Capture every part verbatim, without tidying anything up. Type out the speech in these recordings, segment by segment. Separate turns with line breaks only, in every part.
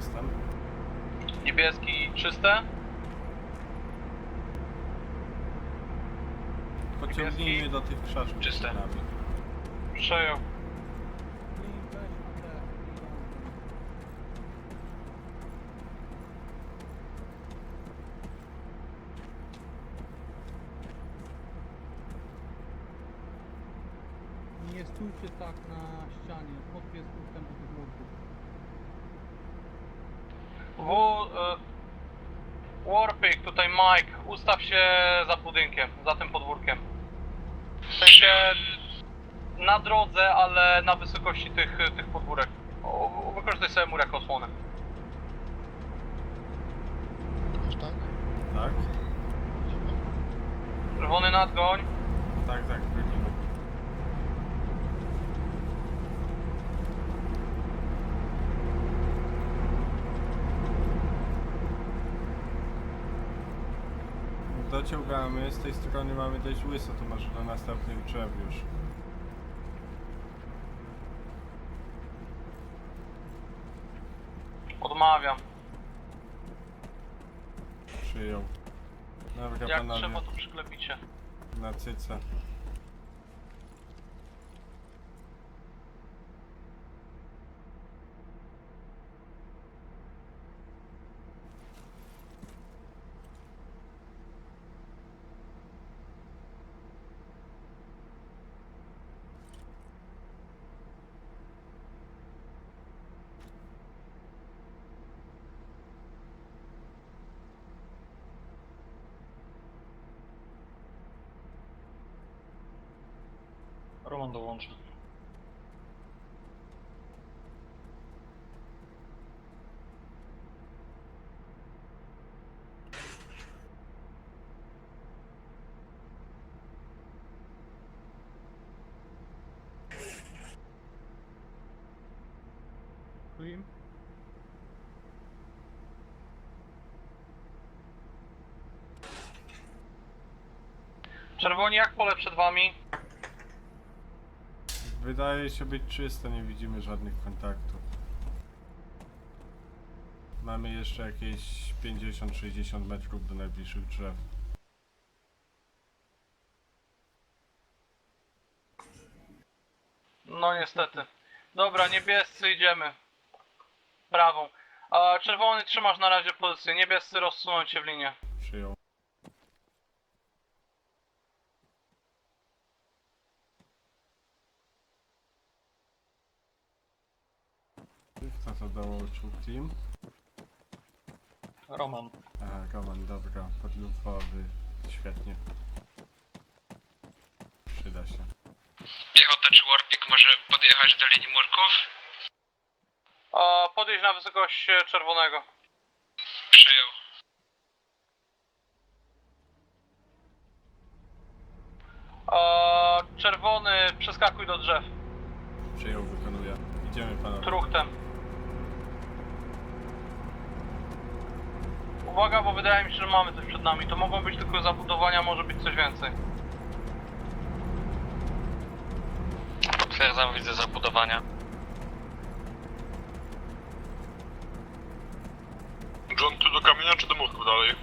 jestem.
Niebieski czyste?
Pociągnijmy do tych krzaczków
Czyste.
przed nami.
Przejął.
Nie stójcie tak na ścianie, podpies dostęp do tych murków.
W... Y, Warpik, tutaj Mike, ustaw się za budynkiem, za tym podwórkiem. W sensie na drodze, ale na wysokości tych, tych podwórek. O, wykorzystaj sobie mur jako osłonę.
Już tak?
Tak?
Czerwony nadgoń.
Tak, tak, byliśmy. Dociągamy, z tej strony mamy dość łyso, to może do następnych drzew już.
Odmawiam.
Przyjął. Dobra,
Jak
panowie,
trzeba, to przyklepicie.
na cyce.
Roman dołączy.
Klim?
Czerwoni, jak pole przed wami?
Wydaje się być czysto, nie widzimy żadnych kontaktów. Mamy jeszcze jakieś pięćdziesiąt sześćdziesiąt metrów do najbliższych drzew.
No niestety. Dobra, niebiescy idziemy. Prawą. A czerwony trzymasz na razie pozycję. Niebiescy rozsuną cię w linię.
Przyjął. Kto to dołączył team?
Roman.
Aha, Roman, dobra, podlufowy, świetnie. Przyda się.
Piechota czy Warpik może podjechać do linii murków?
A podjedź na wysokość e, czerwonego.
Przyjął.
A czerwony przeskakuj do drzew.
Przyjął, wykonuje. Idziemy panowie.
Truchtem. Uwaga, bo wydaje mi się, że mamy coś przed nami. To mogą być tylko zabudowania, może być coś więcej.
Potwierdzam, widzę zabudowania.
John, tu do kamienia czy do murków dalej?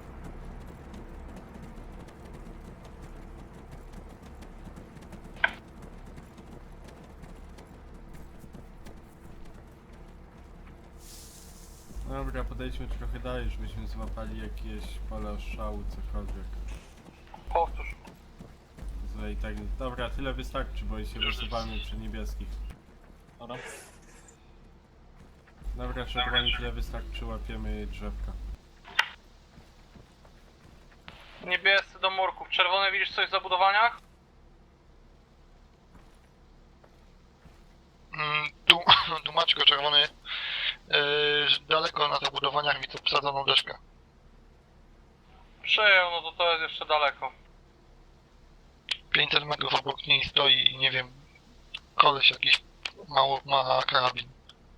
Dobra, podejdźmy trochę dalej, żebyśmy złapali jakieś pola szału, cokolwiek.
Powtórz.
Zle i tak. Dobra, tyle wystarczy, bo się
Już
wysuwamy przy niebieskich.
Dobra.
Dobra, czerwoni, tyle wystarczy, łapiemy drzewka.
Niebiescy do murków. Czerwony, widzisz coś w zabudowaniach?
Mm, tu, tu Maćko czerwony. Yy, daleko na tych budowaniach widzę posadzoną deszkę.
Przyjął, no to to jest jeszcze daleko.
pięćset metrów obok niej stoi, nie wiem, koleś jakiś mało ma karabin.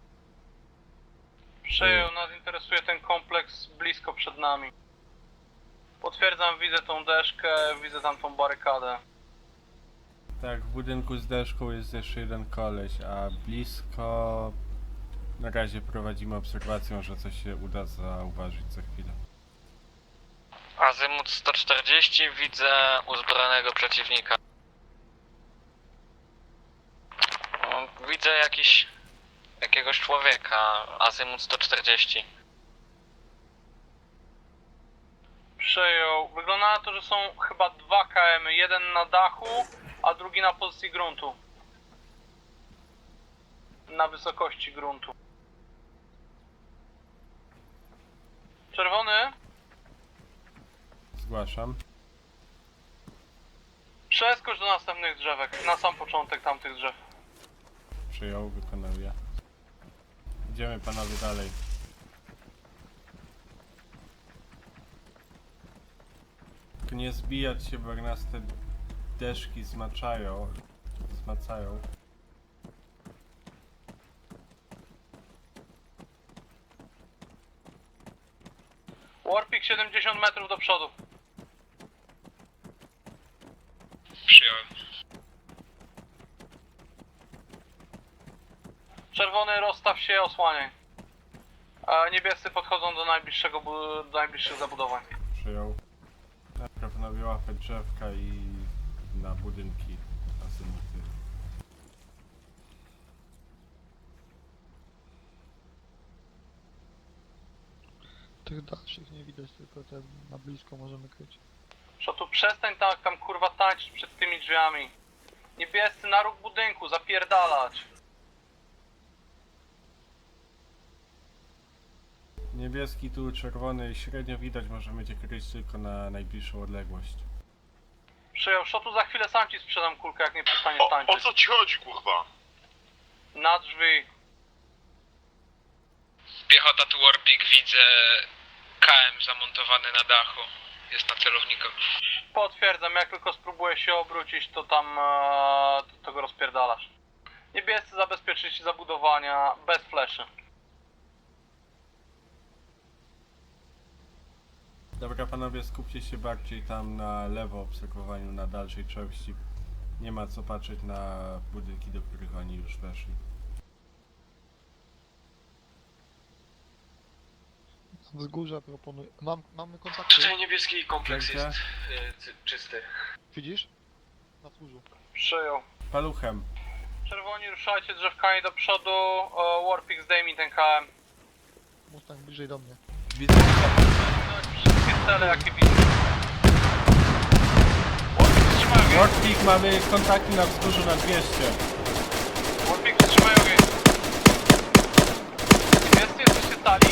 Przyjął, nas interesuje ten kompleks blisko przed nami. Potwierdzam, widzę tą deszkę, widzę tam tą barykadę.
Tak, w budynku z deszką jest jeszcze jeden koleś, a blisko... Na razie prowadzimy obserwację, może coś się uda zauważyć za chwilę.
Azymut sto czterdzieści, widzę uzbrojonego przeciwnika. No, widzę jakiś, jakiegoś człowieka, azymut sto czterdzieści.
Przejął. Wygląda na to, że są chyba dwa K M y. Jeden na dachu, a drugi na pozycji gruntu. Na wysokości gruntu. Czerwony?
Zgłaszam.
Przeskocz do następnych drzewek. Na sam początek tamtych drzew.
Przyjął, wykonuję. Idziemy panowie dalej. Tylko nie zbijać się, bo jak nas te deszki zmaczają. Zmacają.
Warpik siedemdziesiąt metrów do przodu.
Przyjąłem.
Czerwony, rozstaw się, osłaniaj. A niebiescy podchodzą do najbliższego, bu- do najbliższych zabudowań.
Przyjął. Najpierw panowie łapać drzewka i na budynki asymuty.
Tych dalszych nie widać, tylko te na blisko możemy kryć.
Szotu, przestań tam, tam kurwa tańczyć przed tymi drzwiami. Niebiescy na róg budynku, zapierdalać.
Niebieski tu, czerwony średnio widać, możemy cię kryć tylko na najbliższą odległość.
Przyjął. Szotu, za chwilę sam ci sprzedam kulkę, jak nie przestaniesz
O, o
tańczyć.
co ci chodzi, kurwa?
Na drzwi.
Piechota tu Warpik, widzę K M zamontowany na dachu. Jest na celowniku.
Potwierdzam, jak tylko spróbuję się obrócić, to tam e, to, to go rozpierdalasz. Niebiescy zabezpieczyć zabudowania bez fleszy.
Dobra panowie, skupcie się bardziej tam na lewo obserwowaniu, na dalszej części. Nie ma co patrzeć na budynki, do których oni już weszli.
Na wzgórza proponuję. Mam, mamy kontakty.
Tutaj niebieski kompleks
Gdzie?
jest y, cy- czysty.
Widzisz? Na wzgórzu.
Przyjął.
Paluchem.
Czerwoni, ruszajcie drzewkami do przodu. E, Warpik, zdejmij ten K M.
Mustang bliżej do mnie.
Widzę,
Wszystkie cele, jakie widzę. Warpik, wstrzymaj ogień.
Warpik, mamy kontakty na wzgórzu na dwieście.
Warpik, wstrzymaj ogień. Niebiescy, jesteście stali?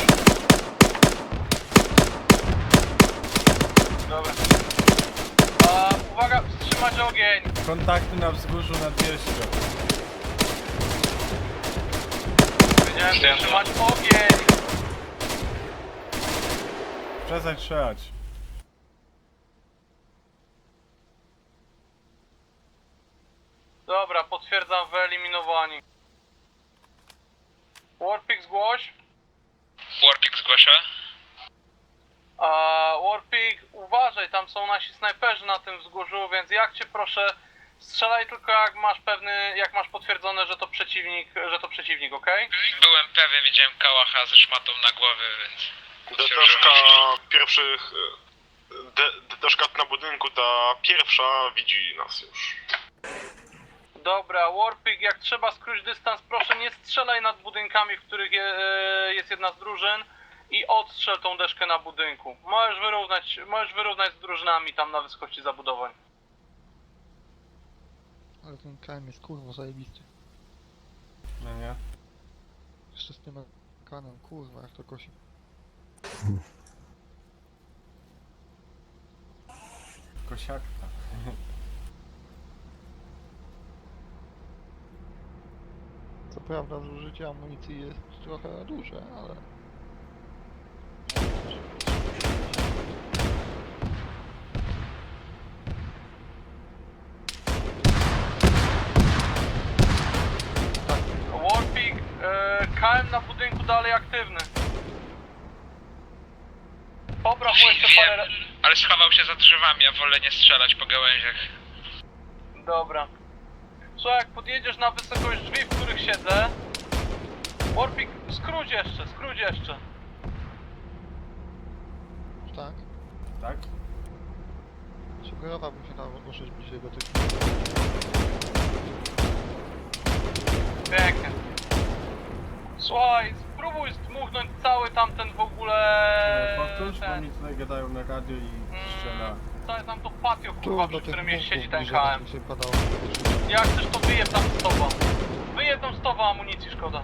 Dobra. A, uwaga, wstrzymać ogień.
Kontakty na wzgórzu na dwieście.
Powiedziałem wstrzymać ogień.
Przestań strzelać.
Dobra, potwierdzam, wyeliminowani. Warpik, zgłoś.
Warpik zgłasza.
A, Warpik, uważaj, tam są nasi snajperzy na tym wzgórzu, więc jak cię proszę, strzelaj tylko jak masz pewny, jak masz potwierdzone, że to przeciwnik, że to przeciwnik, okej?
Byłem pewien, widziałem kałacha ze szmatą na głowie, więc...
Deszka pierwszych... De, deszka na budynku, ta pierwsza widzi nas już.
Dobra, Warpik, jak trzeba skrócić dystans, proszę nie strzelaj nad budynkami, w których je, e, jest jedna z drużyn i odstrzel tą deszkę na budynku. Możesz wyrównać, możesz wyrównać z drużynami tam na wysokości zabudowań.
Ale ten K M jest kurwa zajebisty.
No nie?
Jeszcze z tym kanem, kurwa jak to kosi.
Kosiakta.
Co prawda zużycie amunicji jest trochę duże, ale...
Warpik, e, K M na budynku dalej aktywny. Pobraw mu jeszcze
Wiem,
parę...
ale schował się za drzewami, ja wolę nie strzelać po gałęziach.
Dobra. Słuchaj, jak podjedziesz na wysokość drzwi, w których siedzę, Warpik, skróć jeszcze, skróć jeszcze.
Tak?
Tak?
Sugerowałbym się tam ruszyć bliżej do tych...
Pięknie. Słuchaj, spróbuj zdmuchnąć cały tamten w ogóle...
Powtórz, bo
ten,
mi tutaj gadają na radio i strzela.
mm, całe tam to patio,
Tu
kurwa,
do
przy
tych
którym jest, siedzi
murków
ten
bliżej,
K
tak
M.
mi się padało.
Jak chcesz, to wyjeb tam z tobą. Wyjeb tam z tobą amunicji, szkoda.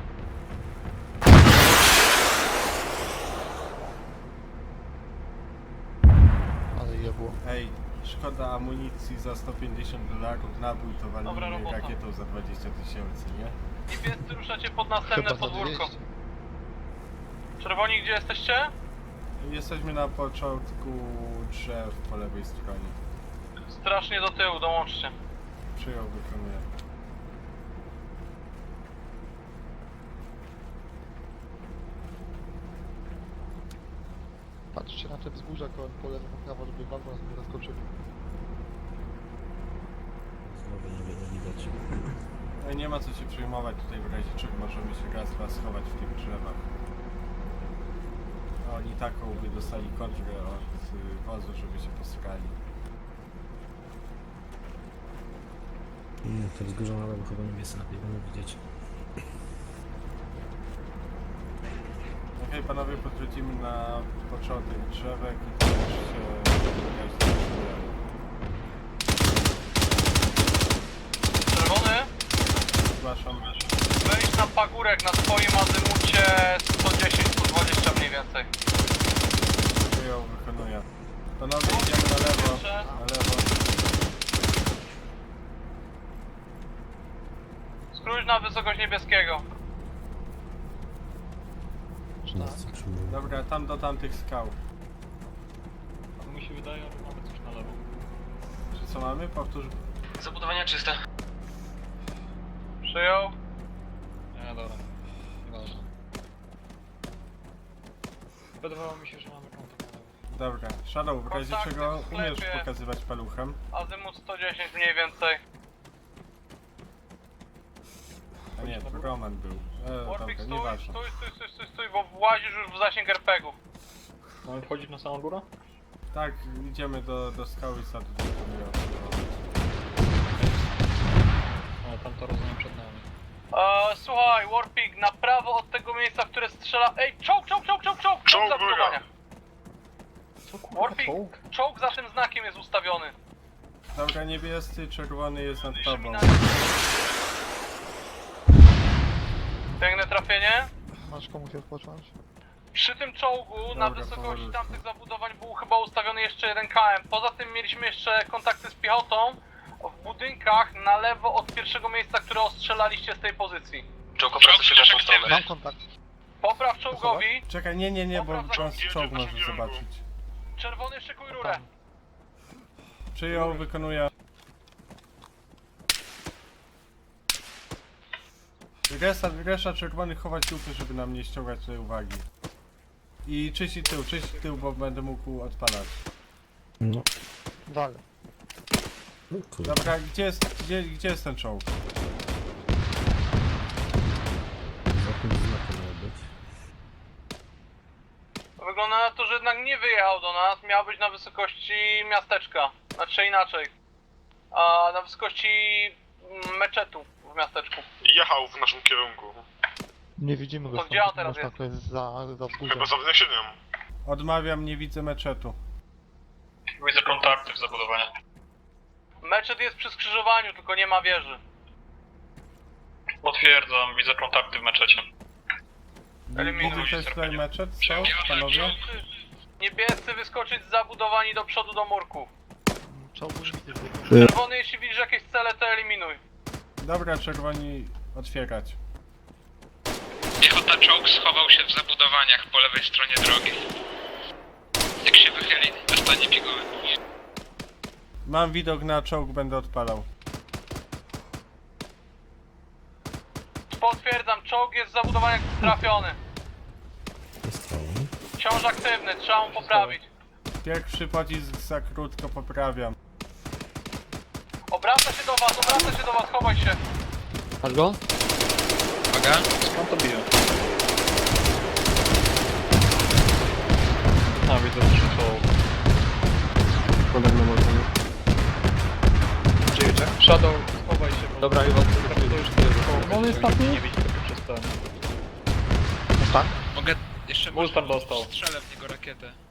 Ale jebło.
Ej, szkoda amunicji za sto pięćdziesiąt dolarów, nabój to
Dobra
walimy
robota.
rakietą za dwadzieścia tysięcy, nie?
Niebiescy ruszacie pod następne
Chyba za
podwórko.
dwieście.
Czerwoni, gdzie jesteście?
Jesteśmy na początku drzew po lewej stronie.
Strasznie do tyłu, dołączcie.
Przyjął, wykonuję.
Patrzcie na te wzgórza koło po lewo, po prawo, żeby wam nas nie zaskoczyli.
Ej, nie ma co się przejmować tutaj w razie czego możemy się raz dwa schować w tych drzewach. A oni taką by dostali kontrę od y, wozu, żeby się poskali.
Nie, te wzgórza na lewo chyba niebiescy lepiej będą widzieć.
Okej, panowie, podchodzimy na początek drzewek i to już się jakaś zaczyna.
Czerwony,
Zgłaszam.
wejdź na pagórek na swoim azymucie sto dziesięć sto dwadzieścia mniej więcej.
Przyjął, wykonuję. Panowie, idziemy na lewo. Na lewo.
Skróć na wysokość niebieskiego.
Wszyscy przyjmują.
Dobra, tam do tamtych skał.
Mi się wydaje, że mamy coś na lewo.
Czy co mamy? Powtórz.
Zabudowania czyste.
Przyjął.
Nie, dobra. Nieważne. Wydawało mi się, że mamy kontakt na lewo.
Dobra, Shadow, w razie
Kontakty
czego
w
umiesz
sklepie.
pokazywać paluchem?
Azymut sto dziesięć mniej więcej.
A nie, to Roman był. E,
Warpik,
dobra,
stój,
nieważne.
stój, stój, stój, stój, stój, bo włazisz już w zasięg er pe gu.
Mamy wchodzić na samą górę?
Tak, idziemy do, do skały i sadu.
O, tam to rozumiem przed nami.
Eee, słuchaj, Warpik, na prawo od tego miejsca, w które strzela... Ej, czołg, czołg, czołg, czołg, czołg!
Czołg,
za budowania.
Co kurwa,
Warpik,
czołg?
czołg za tym znakiem jest ustawiony.
Dobra, niebiescy, czerwony jest nad tobą.
Piękne trafienie.
Masz komuś odpocząć?
Przy tym czołgu
Dobra,
na wysokości
powolutku.
tamtych zabudowań był chyba ustawiony jeszcze jeden K M. Poza tym mieliśmy jeszcze kontakty z piechotą w budynkach na lewo od pierwszego miejsca, które ostrzelaliście z tej pozycji.
Czołg obraca się w naszą stronę.
Mam kontakt.
Popraw czołgowi.
Czekaj, nie, nie, nie, bo
Dobra,
on
jedzie
z czołg
w naszym
może
kierunku.
zobaczyć.
Czerwony, szykuj rurę.
Przyjął, wykonuje. Resa, reszta czerwonych chować dupy, żeby nam nie ściągać tutaj uwagi. I czyści tył, czyści tył, bo będę mógł odpalać.
No,
Dalej.
no kurde.
Dobra, gdzie jest, gdzie, gdzie jest ten czołg?
Za tym znakiem miał być.
Wygląda na to, że jednak nie wyjechał do nas. Miał być na wysokości miasteczka. Znaczy inaczej. A na wysokości mm, meczetu w miasteczku.
Jechał w naszym kierunku.
Nie widzimy go
To
stąd.
gdzie on teraz
Można,
jest?
to jest za, za wzgórzem.
Chyba za wniesieniem.
Odmawiam, nie widzę meczetu.
Widzę kontakty w zabudowaniach.
Meczet jest przy skrzyżowaniu, tylko nie ma wieży.
Potwierdzam, widzę kontakty w meczecie.
Eliminuj
Widzę też tutaj meczet, co, panowie?
Niebiescy wyskoczyć z zabudowań i do przodu do murków.
Czołgu nie widzę.
Czerwony, jeśli widzisz jakieś cele, to eliminuj.
Dobra, czerwoni, otwierać.
Piechota czołg schował się w zabudowaniach po lewej stronie drogi. Jak się wychyli, dostanie piguły.
Mam widok na czołg, będę odpalał.
Potwierdzam, czołg jest w zabudowaniach trafiony.
Jest to.
Wciąż aktywny, trzeba mu poprawić.
Pierwszy pocisk za krótko poprawiam.
Obraca się do was, obraca się do was, chowaj się.
Masz go?
Uwaga.
Skąd to bije? A, widzę, że to...
Podobno można.
Gdzie jedzie? Shadow, schowaj się. Bo... Dobra, chyba to już tyle.
No, on jest taki?
Nie widzi tego przez ten.
Mustang?
Mogę jeszcze...
Mustang dostał.
Strzelę w niego rakietę.